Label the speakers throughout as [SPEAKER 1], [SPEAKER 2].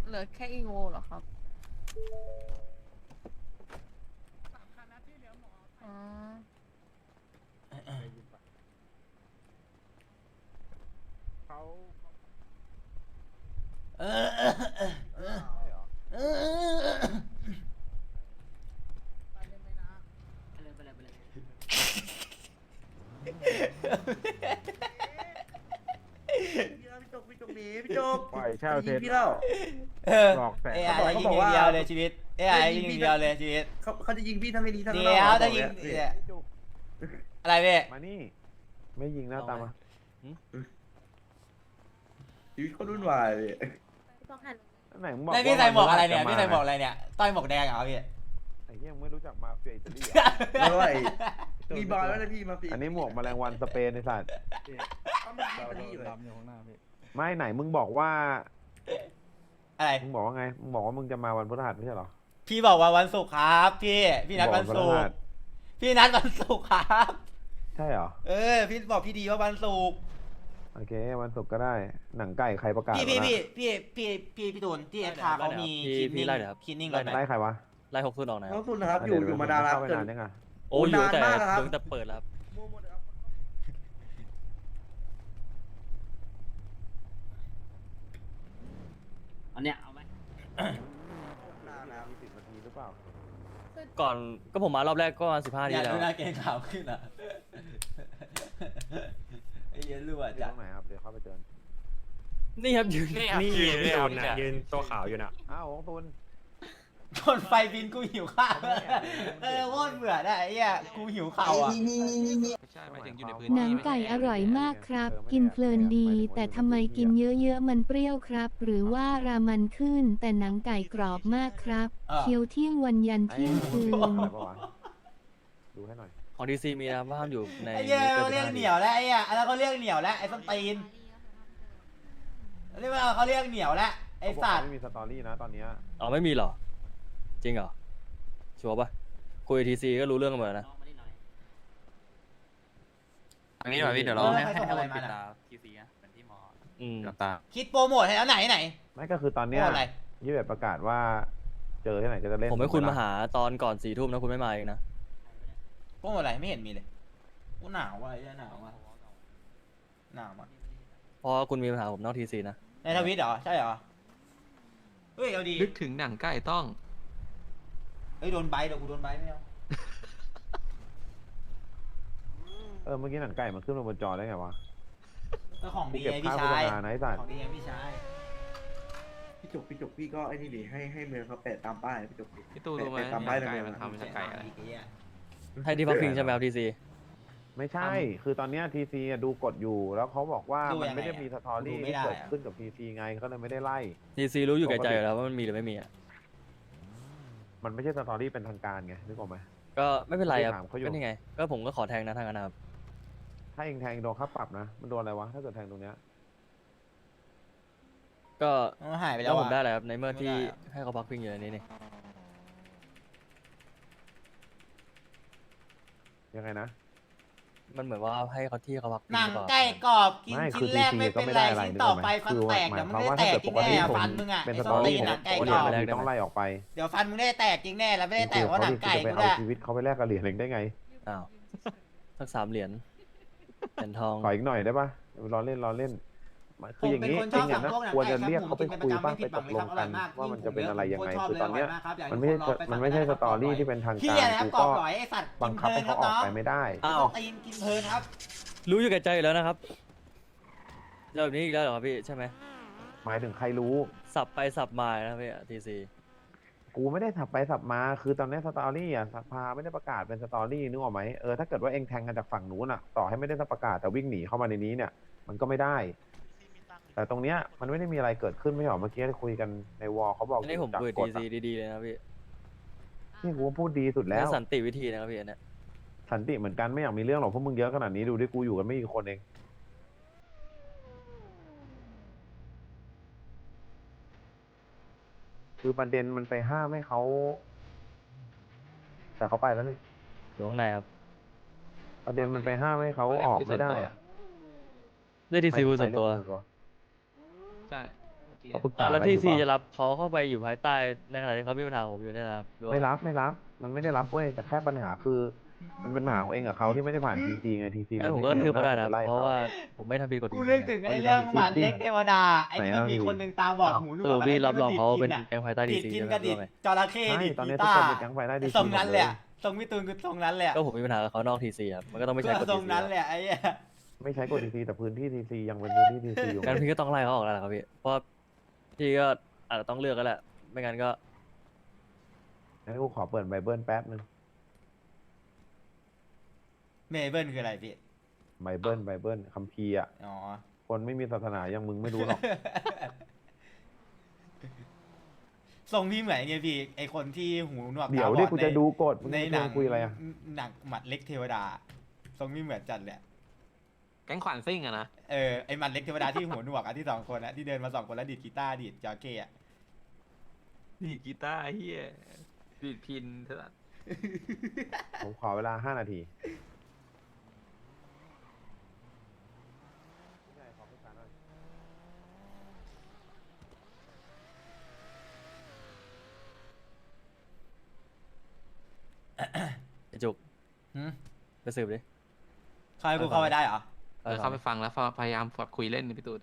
[SPEAKER 1] เหลือแค่อีโวเหรอครับอ๋อ
[SPEAKER 2] เขา
[SPEAKER 3] เออเออเออเออ
[SPEAKER 2] ใช่เหรอ
[SPEAKER 3] เออ
[SPEAKER 4] พี่จกหนีพี่จก
[SPEAKER 2] ปล่อยเช่า
[SPEAKER 4] มัน
[SPEAKER 2] เท
[SPEAKER 4] ยิง
[SPEAKER 2] น
[SPEAKER 4] พี่แล้ว
[SPEAKER 3] เออ
[SPEAKER 2] หลอกแสน
[SPEAKER 3] เอ้ย
[SPEAKER 4] เขาบอก
[SPEAKER 3] ยิง
[SPEAKER 4] เขาบอก
[SPEAKER 3] อย่าง
[SPEAKER 4] ว่า
[SPEAKER 3] เดียวเลยชีวิตเอ้ยยิงอย่างเดียวเลยชีวิต
[SPEAKER 4] เขาจะยิงพี่ทั้งในนี้ทั้ง
[SPEAKER 3] เดี๋
[SPEAKER 4] นอก
[SPEAKER 3] ยว
[SPEAKER 4] เขาบ
[SPEAKER 3] ถ้า
[SPEAKER 4] อก
[SPEAKER 3] ยิง
[SPEAKER 4] เนี่ย
[SPEAKER 3] เนี่ย
[SPEAKER 2] จุก
[SPEAKER 3] อะไรพี่
[SPEAKER 2] มานี่ ไม่ยิงหน้าตามมา
[SPEAKER 4] ชีวิตเขารุ่นวายเลย
[SPEAKER 2] ไหนมึงบอก
[SPEAKER 3] แล้วพี่ใส่หมวกอะไรเนี่ย
[SPEAKER 2] ว่า
[SPEAKER 3] พี่ใส่หมวกอะไรเนี่ยต้อยหมวกแดงเหรอพี่
[SPEAKER 2] ไอ้เหี้ยังไม่รู้จักมาเฟียอิตาลีเหรอ
[SPEAKER 4] ไม่ว่ามีบอลแล้วนะพี่มาปี
[SPEAKER 2] อันนี้หมวกแมลงวันสเปนในสัตว์
[SPEAKER 4] เขาไม่อิตาลีเลย
[SPEAKER 2] ไม่ไหนมึงบอกว่า
[SPEAKER 3] อะไร
[SPEAKER 2] มึงบอกว่าไง มึงบอกว่ามึงจะมาวันพฤหัสไม่ใช่เหรอ
[SPEAKER 3] พี่บอกว่าวันศุกร์ครับพี่นัดวันศุก
[SPEAKER 2] บอกวันพฤหั
[SPEAKER 3] ร์
[SPEAKER 2] ส
[SPEAKER 3] พี่นัดวันศุกร์ครับ
[SPEAKER 2] ใช่เหรอ
[SPEAKER 3] เออพี่บอกพี่ดีว่าวันศุกร์
[SPEAKER 2] โอเค วันศุกร์ก็ได้ หนังไก่ใครประกาศ
[SPEAKER 3] พี่
[SPEAKER 2] วะนะ
[SPEAKER 3] พี่ตูนที่เอฟคาเขามีคินนิ่งก่อนไหม
[SPEAKER 2] ไล่ใครวะ
[SPEAKER 5] ไล่60ออกนะค
[SPEAKER 4] เขา
[SPEAKER 5] รับ
[SPEAKER 4] สุดนะครับอยู่มาดารา
[SPEAKER 2] เข้าไป
[SPEAKER 4] เกิ
[SPEAKER 2] นาน นยังไง
[SPEAKER 5] โอ้ยอยู่แต่
[SPEAKER 4] นานมากแล้วครับ
[SPEAKER 5] ตั้งแต่เปิดแล้วครับ
[SPEAKER 4] มั่วหมดเลยครับ
[SPEAKER 6] อันเนี้ยเอาไหม
[SPEAKER 4] นานนะครับ
[SPEAKER 2] มี10 นาทีหรือเปล่า
[SPEAKER 5] ก่อนก็ผมมารอบแรกก็ประมาณ15
[SPEAKER 3] อ
[SPEAKER 5] ที
[SPEAKER 3] ยาก
[SPEAKER 5] แล้ว
[SPEAKER 3] ดูหน้าเกรงขาวขึ้นอ่ะไอ้เหี้ย็นรั่ว
[SPEAKER 2] อยู่
[SPEAKER 3] จั
[SPEAKER 2] ต
[SPEAKER 3] ด
[SPEAKER 2] รงไหนครับ เดี๋ยวเข้าไปเจอ
[SPEAKER 5] นี่ครับยืน
[SPEAKER 7] นี่ยืนน่ะยืนตัวขาวอยู่น่ะ
[SPEAKER 2] อ้าวของตุน
[SPEAKER 3] ชนไฟบินกูหิวข้าวเออโคตรเบื่อได้ไอ้เหี้ยกูหิวข้าวอ่ะ
[SPEAKER 7] ใช่หมายถึงอยู่ในพื้น
[SPEAKER 8] หนังไก่อร่อยมากครับ กินเพลินดี แต่ทำไมกินเยอะๆมันเปรี้ยวครับ หรือว่ารามันขึ้น แต่หนังไก่กรอบมากครับเคี้ยวเที่ยงวันยันเที่ยงคืน
[SPEAKER 2] อะไรปะวะดูให้หน่อย
[SPEAKER 5] ของดีซีมีนะครับว่าห้ามอยู่ใน
[SPEAKER 3] ไอ้เหี้ย
[SPEAKER 5] กิ
[SPEAKER 3] เขาเรียก
[SPEAKER 5] 15
[SPEAKER 3] เหนียวแล้วไอ้เหี้ยแล้วเขาเรียกเหนียวแล้วไอ้ส้นตีนเรียกว่าเขาเรียกเหนียวแล้วไอ้
[SPEAKER 2] เขาบอก
[SPEAKER 3] สัตว์
[SPEAKER 2] ไม่มีสตอรี่นะตอนเนี้ย
[SPEAKER 5] อ๋อไม่มีเหรอ จริงเหรอ ชัวร์ปะคุยทีซีก็รู้เรื่องกันหมดแล้วนะ
[SPEAKER 7] อันนี้แบบพี่เดี๋ยวเราให้
[SPEAKER 3] ใครส่งอะไรมา
[SPEAKER 7] ปิด
[SPEAKER 3] น่ะ
[SPEAKER 7] ตาทีซีนะเหมือนที่หมอ
[SPEAKER 5] อืม
[SPEAKER 7] กับตา
[SPEAKER 3] คิดโปรโมทให้แล้วไหน
[SPEAKER 2] ไม่ก็คือตอนเนี้ย
[SPEAKER 3] โอ้อะไร
[SPEAKER 2] ยี่แบบประกาศว่า เจอที่ไหนก็จะเล่น
[SPEAKER 5] ผมให้คุณมาหาตอนก่อน4 ทุ่มนะคุณไม่มาเองนะ
[SPEAKER 3] โปรโมทอะไรไม่เห็นมีเลยกูหนาวว่ะไอ้เหี้ยหนาวว่ะหนาวอ่ะ
[SPEAKER 5] เพราะคุณมีปัญหาผมนอกทีซีนะ
[SPEAKER 3] ในทวิตเหรอใช่เหรอเฮ้ยเอาดี
[SPEAKER 7] นึกถึงหนังไก่ต้อง
[SPEAKER 3] เฮ้ยโดนใบเดี๋ยวกูโดนใบไม่เอา
[SPEAKER 2] เมื่อกี้หนังไก่มันขึ้นมาบนจอได้ไงวะ
[SPEAKER 3] ก็ของ
[SPEAKER 2] กู
[SPEAKER 3] ดี
[SPEAKER 2] เก็บ
[SPEAKER 3] ไง
[SPEAKER 2] ค่า
[SPEAKER 3] พี่
[SPEAKER 2] โฆษ
[SPEAKER 3] ชาย
[SPEAKER 2] ณานะไอ้สัตว์
[SPEAKER 3] ของดีไงพี่ชาย
[SPEAKER 4] พี่จกพี่ก็ไอ้นี่ดิให้เมืองเขาแปะตามป้ายพี่จกดิ
[SPEAKER 7] พี่ตูรู้ไหม
[SPEAKER 4] แปะตาม
[SPEAKER 7] ห
[SPEAKER 4] ป้าย
[SPEAKER 7] นัง
[SPEAKER 4] ใน
[SPEAKER 7] ไก่
[SPEAKER 4] เมือง
[SPEAKER 7] มันทำมาจากไก่อะไร
[SPEAKER 5] ให้ที่พักพิงใช่ไหมครับทีซี
[SPEAKER 2] ไม่ใช่ คือตอนเนี้ทีซีดูกดอยู่ แล้วเขาบอกว่า
[SPEAKER 3] ดู
[SPEAKER 2] มัน
[SPEAKER 3] ยังไง
[SPEAKER 2] ไม่ได้มีสตอรี่
[SPEAKER 3] ดูไม่
[SPEAKER 2] ที่
[SPEAKER 3] ได้
[SPEAKER 2] เกิด
[SPEAKER 3] อะ
[SPEAKER 2] ขึ้นกับทีซีไงเขาเลยไม่ได้ไล่
[SPEAKER 5] ทีซีรู้อยู่แก่ใจอยู่แล้วว่ามันมีหรือไม่มีอ่ะ
[SPEAKER 2] มันไม่ใช่สตอรี่เป็นทางการไงนึกออกไหม
[SPEAKER 5] ก็ไม่เป็นไรครับ
[SPEAKER 2] ถามเขาอยู่
[SPEAKER 5] ก็นี่ไง ก็ผมก็ขอแทงนะทางนั้นนะครับ
[SPEAKER 2] ถ้าเองแทงโดนค่าปรับนะ มันโดนอะไรวะ ถ้าเกิดแทงตรงเนี้ย
[SPEAKER 5] ก็
[SPEAKER 3] มันหายไปแล้
[SPEAKER 5] แล้ว วผม
[SPEAKER 3] อะ
[SPEAKER 5] ได้อะไรครับในเมื่อที่
[SPEAKER 3] ไม่ได้อะ
[SPEAKER 5] ให้เขาพักพิงอยู่ในนี้นี่
[SPEAKER 2] ยังไงนะ
[SPEAKER 5] มันเหมือนว่าให้เขาที่เขาพักพิง
[SPEAKER 3] หนัง
[SPEAKER 5] หรือเปล่า
[SPEAKER 3] ไก่กรอบกิน
[SPEAKER 2] ไม่
[SPEAKER 3] ชิ้
[SPEAKER 2] คื
[SPEAKER 3] น
[SPEAKER 2] อ
[SPEAKER 3] แรก
[SPEAKER 2] TC
[SPEAKER 3] ไม่
[SPEAKER 2] ก็
[SPEAKER 3] เป็น
[SPEAKER 2] ไม่
[SPEAKER 3] ไร
[SPEAKER 2] ได้อะไร
[SPEAKER 3] ชิ้นต่อไป
[SPEAKER 2] นึกออกไหม
[SPEAKER 3] ฟันแตก
[SPEAKER 2] คือ
[SPEAKER 3] เดี๋ยวมัน
[SPEAKER 2] หมาย
[SPEAKER 3] ไม่ได้แตกจริงแน่
[SPEAKER 2] ความว่าถ้าเกิดปกติ
[SPEAKER 3] ฟันมึงอ่ะ
[SPEAKER 2] เป็น
[SPEAKER 3] ไอ้
[SPEAKER 2] ส
[SPEAKER 3] ส้
[SPEAKER 2] ต
[SPEAKER 3] น
[SPEAKER 2] อ
[SPEAKER 3] ตี
[SPEAKER 2] รี่
[SPEAKER 3] นหนั
[SPEAKER 2] เนี่ย
[SPEAKER 3] งไก่
[SPEAKER 2] คน
[SPEAKER 3] กร
[SPEAKER 2] เดียว
[SPEAKER 3] อบ
[SPEAKER 2] มึงต้องไล่ออกไป
[SPEAKER 3] เดี๋ยวฟันมึงได้แตกจริงแน่แล้วไม่ได้แตกเพราะหนังไก่
[SPEAKER 2] จะไป
[SPEAKER 3] กู
[SPEAKER 2] เอา
[SPEAKER 3] ด้วย
[SPEAKER 2] ชีวิตเขาไปแลกกับเหรียญเองได้ไง
[SPEAKER 5] อ้าวสัก3 เหรียญทอง
[SPEAKER 2] ขออีกหน่อยได้ปะรอเล่นรอเล่น คืออย่างนี้
[SPEAKER 3] ผม
[SPEAKER 2] เอ
[SPEAKER 3] เป็น
[SPEAKER 2] ง
[SPEAKER 3] คนช
[SPEAKER 2] อะ
[SPEAKER 3] อบ
[SPEAKER 2] นะ
[SPEAKER 3] สั่งพวกหนัง
[SPEAKER 2] ควร
[SPEAKER 3] ไก่
[SPEAKER 2] จะเรียกเขาไปคุยบ้างไปตกลงกันว่ามันจะเป็นอะไรยังไง คือตอนเนี้ยมันไม่ใช่มันไม่ใช่สตอรี่ที่เป็นทาง
[SPEAKER 3] พี่
[SPEAKER 2] การ
[SPEAKER 3] นะครับ
[SPEAKER 2] กู
[SPEAKER 3] กรอ
[SPEAKER 2] ก็
[SPEAKER 3] บหน่อยไอ้สัตว์
[SPEAKER 2] บังคับให้เขาออกไปไม่ได้
[SPEAKER 5] อ้าว
[SPEAKER 3] ตีนกินเพลินครับ
[SPEAKER 5] รู้อยู่แก่ใจอยู่แล้วนะครับเรื่องแบบนี้อีกแล้วเหรอครับพี่ใช่ไหม
[SPEAKER 2] หมายถึงใครรู้
[SPEAKER 5] สับไปสับมานะครับพี่ทีซี
[SPEAKER 2] กูไม่ได้สับไปสับมา คือตอนนี้สตอรี่อ่ะสภาไม่ได้ประกาศเป็นสตอรี่นึกออกไหมถ้าเกิดว่าเองแทงกันจากฝั่งนู้นอ่ะ ต่อให้ไม่ได้ประกาศแต่วิ่งหนีเข้ามาในนี้เนี่ย มันก็ไม่ได้ แต่ตรงเนี้ยมันไม่ได้มีอะไรเกิดขึ้นไม่ใช่หรอเมื่อกี้คุยกันในวอลเขาบอก
[SPEAKER 5] อันนี้ผม
[SPEAKER 2] จาก
[SPEAKER 5] คุย
[SPEAKER 2] ก
[SPEAKER 5] ที
[SPEAKER 2] ฎ
[SPEAKER 5] ซี
[SPEAKER 2] อะ
[SPEAKER 5] ดีๆเลยนะครับพี่
[SPEAKER 2] นี่กูพูดดีสุดแล้ว
[SPEAKER 5] สันติวิธีนะครับพี่อันเนี้ย
[SPEAKER 2] สันติเหมือนกันไม่อยากมีเรื่องหรอกพวกมึงเยอะขนาดนี้ดูดิกูอยู่กันไม่กี่คนเอง คือประเด็นมันไปห้ามให้เขา แต่เขาไปแล้วนี่
[SPEAKER 5] อยู่ข้างในครับ
[SPEAKER 2] ประเด็นมันไปห้ามให้เขาออกไม่ได้อะ
[SPEAKER 5] ได้ทีซีคุยส่วนตัว
[SPEAKER 7] ใช่
[SPEAKER 2] เขาปรึกษา
[SPEAKER 5] แล้ว
[SPEAKER 2] กัน
[SPEAKER 5] ที่
[SPEAKER 2] อยู่
[SPEAKER 5] ซี
[SPEAKER 2] เปล่า
[SPEAKER 5] จะรับเขาเข้าไปอยู่ภายใต้ในขณะที่เขามีปัญหาผมอยู่เนี่ยนะครับหรือว่า
[SPEAKER 2] ไม่รับมันไม่ได้รับเว้ยแต่แค่ปัญหาคือ มันเป็นปัญหาของเองกับเขาที่ไม่ได้ผ่านทีซีไงทีซี
[SPEAKER 5] งั้นผมก็ทืบเขาได้นะเพราะว่าผมไม่ทำผิดกฎห
[SPEAKER 3] กู
[SPEAKER 5] มาย
[SPEAKER 3] นึกถึงไอ้เรื่องหมันเล็กเทวดาไอ้ที่มันมีคนหนึ่งตาบอดหูหน
[SPEAKER 5] ส
[SPEAKER 3] ว
[SPEAKER 5] รุ
[SPEAKER 3] ก
[SPEAKER 5] ปพี่รับรองเขาเป็น
[SPEAKER 3] อะ
[SPEAKER 5] แก๊งภายใต้ดี
[SPEAKER 3] ดีด
[SPEAKER 5] ซี
[SPEAKER 3] กิน
[SPEAKER 5] ใช่ไหม
[SPEAKER 3] กระดิด
[SPEAKER 5] ว่าไง
[SPEAKER 3] จระเข้
[SPEAKER 2] ใช่
[SPEAKER 3] ดิด
[SPEAKER 2] ตอน
[SPEAKER 3] กี
[SPEAKER 2] นี้ทุก
[SPEAKER 3] ตา
[SPEAKER 2] คน
[SPEAKER 3] ร์
[SPEAKER 2] เป็นแก๊งไฟได้ดี
[SPEAKER 3] ทรงนั้นเลยอะทรงพี่ตูนคือทรงนั้นเลยอะ
[SPEAKER 5] ก็ผมมีปัญหากับเขานอกทีซีครับมันก็ต้องไม่ใช่กฎ
[SPEAKER 3] ทร
[SPEAKER 5] ที
[SPEAKER 3] ง
[SPEAKER 5] ซี
[SPEAKER 3] นั้นเลยอะไอ้เหี้ย
[SPEAKER 2] ไม่ใช้กฎทีซีแต่พื้นที่ทีซียังเป็นพื้นที่ทีซีอยู่
[SPEAKER 5] งั้นพี่ก็ต้องไล่เขาออกแล้วล่ะครับพี่เพราะพี่ก็อาจจะต้องเลือกกันแหละไม่งั้นก็
[SPEAKER 2] งั้นกูขอเปิดไบเบิลแป๊บนึง
[SPEAKER 3] เมเบิลคืออะไรพี่
[SPEAKER 2] ไบเบิลคัมภีร์อ่ะ
[SPEAKER 3] อ๋อ
[SPEAKER 2] คนไม่มีศาสนาอย่างมึงไม่รู้หรอก
[SPEAKER 3] ทรงพี่เหมือนไงพี่ไอคนที่หูหนวก
[SPEAKER 2] เดี๋ยว
[SPEAKER 3] ตาบ
[SPEAKER 2] ดิ
[SPEAKER 3] อ
[SPEAKER 2] กูจะดูกฎมึง
[SPEAKER 3] ใน
[SPEAKER 2] จะ
[SPEAKER 3] หนัง
[SPEAKER 2] คุยอะไรอ่ะ
[SPEAKER 3] หนังหมัดเล็กเทวดา ทรงพี่เหมือนจัดเลย
[SPEAKER 7] แก๊งขวัญซิ่งอะนะ
[SPEAKER 3] ไอหมัดเล็กเทวดาที่หูหนวกอะที่สองคนอะที่เดินมาสองคนแล้วดีดกีตาร์ดีดจอเก้อะ
[SPEAKER 7] ดีดกีตาร์เฮียดีดพินเถอะ
[SPEAKER 2] ผมขอเวลา5 นาที
[SPEAKER 5] ไอ้จุก
[SPEAKER 3] หืม
[SPEAKER 5] ไปสืบดิ
[SPEAKER 3] เข้าให้กูเข้าไปได้เหรอ
[SPEAKER 7] เข้าไปฟังแล้วพยายามคุยเล่นในพี่ตูน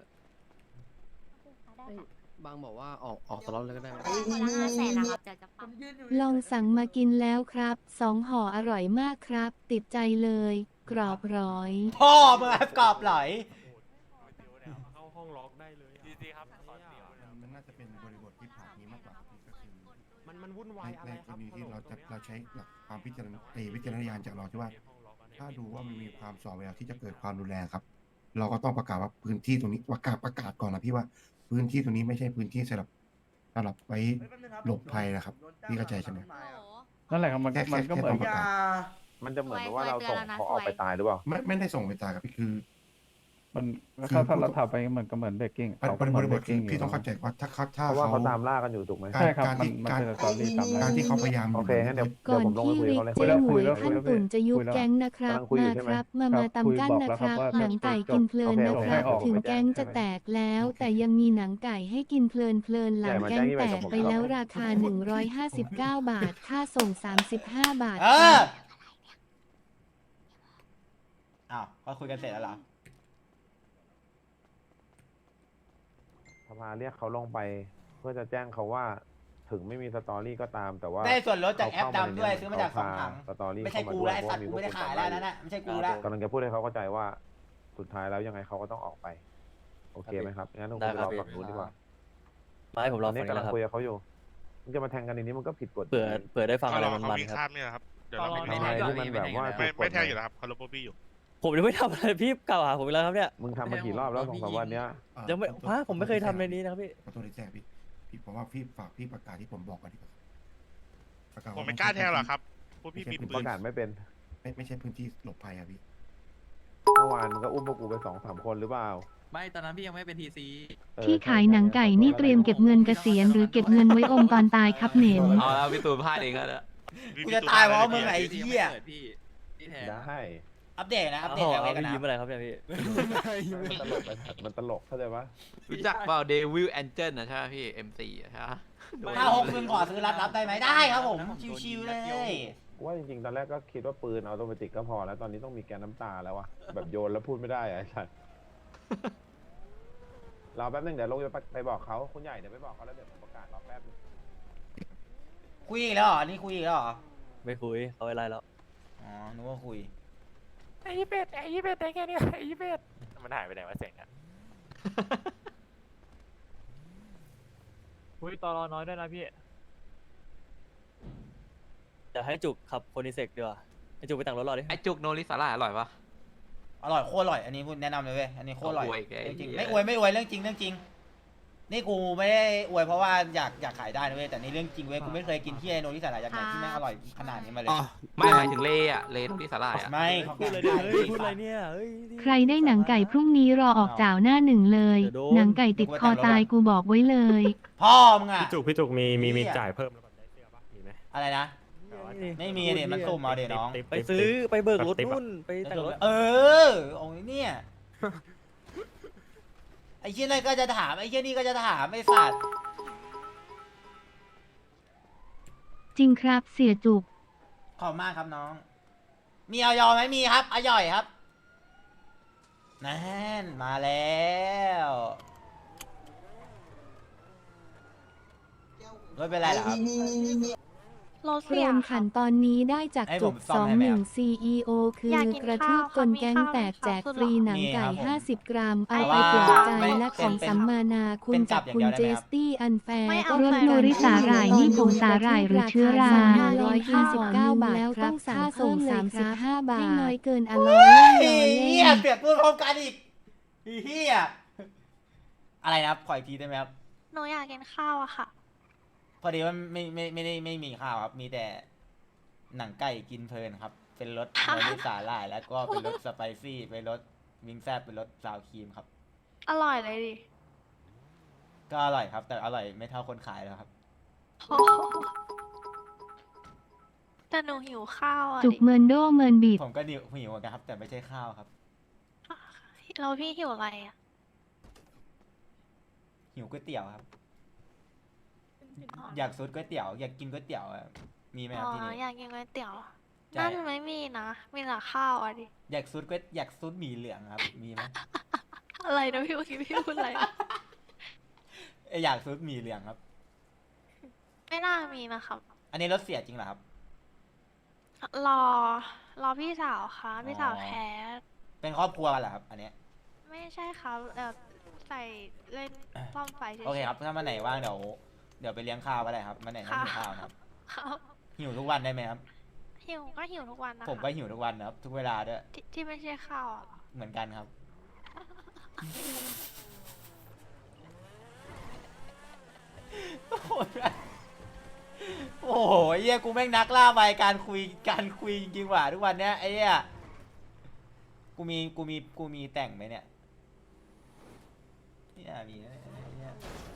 [SPEAKER 1] บางบอกว่าออกตลอดเลยก็ได้
[SPEAKER 6] คนละ500,000นะครับเดี๋ยวจะปรับ
[SPEAKER 8] ลองสั่งมากินแล้วครับ2 ห่ออร่อยมากครับ ติดใจเลย กรอบร้อย
[SPEAKER 3] พ่อมึงแอบกรอบไหล
[SPEAKER 5] เข้าห้องล็อกได้เลยทีซีครับ
[SPEAKER 9] มันน่าจะเป็นบริบทที่ผ่านนี้มากกว่าพี่ก็คือ
[SPEAKER 5] มันวุ่นวายอะไร
[SPEAKER 9] ใน
[SPEAKER 5] ค
[SPEAKER 9] ก
[SPEAKER 5] รั
[SPEAKER 9] ร
[SPEAKER 5] บ
[SPEAKER 9] ณีที่เราใช้หลักความวิจารณญาณจากเราที่ว่า ถ้าดูว่ามันมีความส่อแววที่จะเกิดความรุนแรงครับ เราก็ต้องประกาศว่าพื้นที่ตรงนี้ประกาศก่อนนะพี่ว่าพื้นที่ตรงนี้ไม่ใช่พื้นที่สำหรับไว้หลบภัยนะครับพี่เข้าใจใช่ไหม
[SPEAKER 6] โอ้โห
[SPEAKER 1] นั่นแหละครับมันก็เหมือน
[SPEAKER 9] แค่ประกาศ
[SPEAKER 2] มันจะเหมือนกับว่าเราส่งเขาออกไปตายหรือเปล่า
[SPEAKER 9] ไม่ได้ส่งไปตายครับพี่คือ
[SPEAKER 1] มัน
[SPEAKER 9] คือ
[SPEAKER 1] ถ้าเราทำไปเหมือนก็เหมือนเบรกกิ้ง
[SPEAKER 9] เป็นบริบทคือพี่ต้องเข้าใจว่าถ้า
[SPEAKER 2] เพราะว่าเขาตามล่ากันอยู่ถูกไหม
[SPEAKER 1] ใช่ครับ
[SPEAKER 9] การ
[SPEAKER 1] มัน
[SPEAKER 9] ที่
[SPEAKER 1] มัน
[SPEAKER 9] การ
[SPEAKER 1] เป็นสตอรี่ตาม
[SPEAKER 9] การที่เขาพยายาม
[SPEAKER 2] โอเคงั้นเดี๋ยว
[SPEAKER 8] ก่อน
[SPEAKER 2] ผมลงไป
[SPEAKER 8] ที่
[SPEAKER 2] คุย
[SPEAKER 8] ริ
[SPEAKER 2] กับ
[SPEAKER 8] ก
[SPEAKER 2] เขาเลย
[SPEAKER 8] เจ๊หมวยขั้นตุ่นจะยุบแก๊งนะครับ
[SPEAKER 2] กำลังคุยอยู่
[SPEAKER 8] มา
[SPEAKER 2] ใช่ไหม
[SPEAKER 8] ครับ มาตำกั้นนะครับ หนังไก่กินเพลินนะครับ ถึงแก๊งจะแตกแล้ว แต่ยังมีหนังไก่ให้กินเพลินหลังแก๊งแตกไปแล้วราคา 159 บาท ค่าส่ง 35 บาท
[SPEAKER 3] เอ
[SPEAKER 8] ค
[SPEAKER 3] อ
[SPEAKER 8] รับ
[SPEAKER 3] อ้าวเขาคุยกันเสร็จแล้วเหรอ
[SPEAKER 2] สภาเรียกเขาลงไป เพื่อจะแจ้งเขาว่าถึงไม่มีสตอรี่ก็ตามแต่ว่า
[SPEAKER 3] ได้ส่วนลดจากแอป
[SPEAKER 2] เขเข้
[SPEAKER 3] ดำด้วย
[SPEAKER 2] ใน
[SPEAKER 3] ซื้อมาจาก
[SPEAKER 2] เข
[SPEAKER 3] 2 ถัง
[SPEAKER 2] สตอรี่
[SPEAKER 3] ไม่ใช่
[SPEAKER 2] เข้าา
[SPEAKER 3] กู
[SPEAKER 2] ด้วย
[SPEAKER 3] แล้วไอ้สัตว์กูไม่ได้ขายแล้วนั่นน่ะไม่ใช่กูแล้ว
[SPEAKER 2] กำลังจะพูดให้เขาเข้าใจว่า สุดท้ายแล้วยังไงเขาก็ต้องออกไป โอเคไหมครับงั้นต้องคุยรอฝั่งนู้นดีกว่า
[SPEAKER 5] มาให้ผม
[SPEAKER 2] ต
[SPEAKER 5] ร
[SPEAKER 2] อ
[SPEAKER 5] อน ฟั
[SPEAKER 2] นี้
[SPEAKER 5] งนี่
[SPEAKER 2] กำ
[SPEAKER 5] แห
[SPEAKER 2] ลัง
[SPEAKER 5] ละครับ
[SPEAKER 2] คุยกับเขาอยู่มึงจะมาแทงกันในนี้มันก็ผิดกฎ
[SPEAKER 5] เผื่อได้ฟังอะไรมันๆครับ
[SPEAKER 7] เดี๋ยวเรา
[SPEAKER 2] ทำอะไรที่มันแบบว่าถูกกฎหมาย
[SPEAKER 5] ผมยังไม่ทำอะไรพี่กล่าวหาผมอีกแล้วครับเนี่ย
[SPEAKER 2] มึงทำมากี่รอบแล้ว2-3 วันเนี้ย
[SPEAKER 5] ยังไม่ผมไม่เคยทำในนี้นะครับพี่
[SPEAKER 9] ขอโทษที่แจ้งพี่ผมว่าพี่ฝากพี่ประกาศที่ผมบอกก่อนดีกว่าประกาศ
[SPEAKER 10] ผมไม่กล้าแทงหรอกครับพวกพี่มี
[SPEAKER 2] ผม
[SPEAKER 10] ปื
[SPEAKER 2] ป
[SPEAKER 10] น
[SPEAKER 2] ระกาศไม่เป็น
[SPEAKER 9] ไม่ใช่พื้นที่หลบภัยอะพี่
[SPEAKER 2] เมื่อวานมึงก็อุ้มพวกกูไป2-3 คนหรือเปล่า
[SPEAKER 7] ไม่ตอนนั้นพี่ยังไม่เป็นทีซี
[SPEAKER 8] ที่ขายหนังไก่นี่เตรียมเก็บเงินเกษียณหรือเก็บเงินไว้อมตอนตายครับเหม็น
[SPEAKER 7] เอาแล้วพี่ตูนพลาดเองแล้วนะ
[SPEAKER 3] กูจะตายเพราะมึงไอ้เหี้ย
[SPEAKER 7] พี่แทน
[SPEAKER 2] ได้
[SPEAKER 3] อัปเดตนะ อัปเดต
[SPEAKER 5] เอา
[SPEAKER 3] จากเว
[SPEAKER 5] เอา
[SPEAKER 3] กัน
[SPEAKER 5] ไป
[SPEAKER 3] นะ
[SPEAKER 5] ยิ้มอะไรครับเนี่ยพี่
[SPEAKER 2] มันตลกไปมันตลกเข้าใจปะ
[SPEAKER 7] รู้จักเปล่าเดวิลแอนเจิลนะใช่ไหมพี่ M4 อะใช่ไหม
[SPEAKER 3] ถ้า6 คืนขอซื้อรับได้ไหมได้ครับผม ชิวๆเลย
[SPEAKER 2] ว่าจริงๆตอนแรกก็คิดว่าปืนออโตเมติกก็พอแล้วตอนนี้ต้องมีแกนน้ำตาแล้ววะแบบโยนแล้วพูดไม่ได้อะไอ้สัสรอแป๊บนึงเดี๋ยวลงไปบอกเขาคุณใหญ่เดี๋ยวไปบอกเขาแล้วเดี๋ยวผมประกาศรอแป๊บนึง
[SPEAKER 3] คุยอีกแล้วเหรอ นี่คุยอีกแล้วเหรอ
[SPEAKER 5] ไม่คุยเขาอะไรแล้ว
[SPEAKER 3] อ๋อ นึกว่าคุย
[SPEAKER 5] ไอ้ยี่เป็ดได้แค่นี้ไอ้ยี่เป็ดมันหายไปไหนวะเสียงอ่ะคุยตอรอน้อยด้วยนะพี่จะให้จุกขับโคนิเซกดีกว่าให้จุกไปแต่งรถรอดิ
[SPEAKER 7] ไอจุกโนริสาร่าอร่อยปะ
[SPEAKER 3] อร่อยโคตรอร่อย อันนี้พูดแนะนำเลยเว้ย อันนี้โคตรอร่อย
[SPEAKER 7] อวยอีกไอ้
[SPEAKER 3] จริง
[SPEAKER 7] เหี้ย
[SPEAKER 3] ไม่อวยเรื่องจริงเรื่องจริง นี่กูไม่ได้อวยเพราะว่าอยากขายได้นะเว้ย แต่นี่เรื่องจริงเว้ย กูไม่เคยกินที่ไอโนที่สาหร่ายจากไหนที่แม่งอร่อยขนาดนี้มาเลย
[SPEAKER 7] ไม่หมายถึงเลอะเลโนริสาร่าอะ
[SPEAKER 3] ไม่เขา
[SPEAKER 5] พูด
[SPEAKER 3] ขาย
[SPEAKER 5] เลย
[SPEAKER 3] ได้
[SPEAKER 5] เฮ้ยพูดอะไรเนี่ยเฮ้ย
[SPEAKER 8] ใครได้หนังไก่พรุ่งนี้รอออกจ่าวหน้าหนึ่งเลย
[SPEAKER 5] เดี๋ยวโดน
[SPEAKER 8] หนังไก่ติดคอตายกูบอกไว้เลย
[SPEAKER 3] พ่อมึงอะ
[SPEAKER 1] พี่จุกมี
[SPEAKER 3] เหี้ย
[SPEAKER 1] จ่ายเพิ่มแล้วแบบได้เสื้อปะมีไหม
[SPEAKER 3] อะไรนะ ไม่มีเดี๋ยวมันสุ่มเอาเดี๋ยวน้อง
[SPEAKER 5] ไปซื้อไปเบิกรถนู่นไปแต่งรถ
[SPEAKER 3] เออโอ้ยเนี่ย ไออ้เหี้ยนั่นก็จะถามไอ้เหี้ยนี่ก็จะถามไอ้สัตว์
[SPEAKER 8] จริงครับเสียจุก
[SPEAKER 3] ขอบมากครับน้อง มีออยไหมมีครับอย่อยครับนั่นมาแล้วไม่เป็นไรหรอครับ
[SPEAKER 8] โรมขันตอนนี้ได้จาก
[SPEAKER 3] ให้
[SPEAKER 8] จ
[SPEAKER 3] ผ
[SPEAKER 8] บ
[SPEAKER 3] มซ่อมให้ไหมครับ
[SPEAKER 8] 21 CEO คืออย
[SPEAKER 6] ากกิน
[SPEAKER 8] กระทืบ
[SPEAKER 6] ข้าว
[SPEAKER 8] กล
[SPEAKER 6] ค่ะ
[SPEAKER 8] แก๊ง
[SPEAKER 6] มีข้าว
[SPEAKER 8] แตกแจกฟรีหนังไก่
[SPEAKER 3] มีครับผม
[SPEAKER 8] 50 กรัม เอา
[SPEAKER 3] แต่
[SPEAKER 8] ไป
[SPEAKER 3] ว่า
[SPEAKER 8] ปลอบใจ
[SPEAKER 3] ไม่
[SPEAKER 8] และของ
[SPEAKER 3] เป็น
[SPEAKER 8] สัมมานาคุ
[SPEAKER 3] เป็
[SPEAKER 8] ณ
[SPEAKER 3] นจั
[SPEAKER 8] กั
[SPEAKER 3] บบ อย่าง
[SPEAKER 8] คุณ
[SPEAKER 3] เดียวได้
[SPEAKER 8] เจ
[SPEAKER 3] ไหมครับ
[SPEAKER 8] สตี้อันแฟร์
[SPEAKER 6] ไม่เอา
[SPEAKER 8] รถ
[SPEAKER 6] ใส่
[SPEAKER 8] โนริสาหร่ายนี่ผงสาหร่ายหรือเชื้อรา 129 บาทแล้วต้องค่าส่ง35 บาทไม่น้อยเกินอร่อย
[SPEAKER 3] เฮี
[SPEAKER 8] เล่
[SPEAKER 3] ย
[SPEAKER 8] น
[SPEAKER 3] เปรียบพูดพร้อมกันอีกเฮียอะไรนะครับขออีกทีได้ไหมครับ
[SPEAKER 6] หนูอยากกินข้าวอะค่ะ
[SPEAKER 3] พอดีว่าไม่มีข้าวครับ มีแต่หนังไก่กินเพลินครับ เป็นรสโนริสาหร่ายแล้วก็เป็นรสสไปซี่เป็นรสวิงแซบเป็นรสซาวครีมครับ
[SPEAKER 6] อร่อยเลยดิ
[SPEAKER 3] ก็อร่อยครับ แต่อร่อยไม่เท่าคนขายแล้วครับ
[SPEAKER 6] โอ้โหแต่หนูหิวข้าวอะ
[SPEAKER 8] จุก
[SPEAKER 6] ดิ
[SPEAKER 8] เมินโดเมินบีด
[SPEAKER 3] ผมก็หิวเหมือนกันครับ แต่ไม่ใช่ข้าวครับ
[SPEAKER 6] แล้วพี่หิวอะไรอะ
[SPEAKER 3] หิวก๋วยเตี๋ยวครับ อยากซดก๋วยเตี๋ยวอยากกินก๋วยเตี๋ยวอะมีไหมค
[SPEAKER 6] อ๋
[SPEAKER 3] รับ
[SPEAKER 6] อ
[SPEAKER 3] ที่นี่
[SPEAKER 6] อยากกินก๋วยเตี๋ยว
[SPEAKER 3] ใช่
[SPEAKER 6] นั่นไม่มีนะ มีแต่ข้าวอะดิ
[SPEAKER 3] อยากซดหมี่เหลืองครับ มีไหม
[SPEAKER 6] อะไรนะพี่เมื่อกี้พี่พูดอะไรอะ
[SPEAKER 3] อยากซดหมี่เหลืองครับ
[SPEAKER 6] ไม่น่ามีนะครับ
[SPEAKER 3] อันนี้รถเสียจริงเหรอครับ
[SPEAKER 6] รอพี่สาวค่ะพี่สาวแคส
[SPEAKER 3] เป็นครอบครัวกันเหรอครับ อันเนี้ย
[SPEAKER 6] ไม่ใช่ครับใส่เล่นซ่อมไฟเฉยๆ
[SPEAKER 3] โอเคครับ ถ้ามาไหนว่างเดี๋ยวไปเลี้ยงข้าวก็ได้ครับมาไหนนั่งหิวข้าวนะครับ
[SPEAKER 6] ครับ
[SPEAKER 3] หิวทุกวันได้ไหมครับ
[SPEAKER 6] หิวก็หิวทุกวันนะคะ
[SPEAKER 3] ผมก็หิวทุกวันนะครับ ทุกเวลาด้วย
[SPEAKER 6] ที่ไม่ใช่ข้าวอะ
[SPEAKER 3] เหมือนกันครับ โอ้โหโอ้โหเหี้ยกูแม่งนักล่าไปการคุยจริงๆว่ะทุกวันเนี้ยไอ้เหี้ยกูมีแต่งไหมเนี่ยเนี่ยมีนะไอ้เหี้ย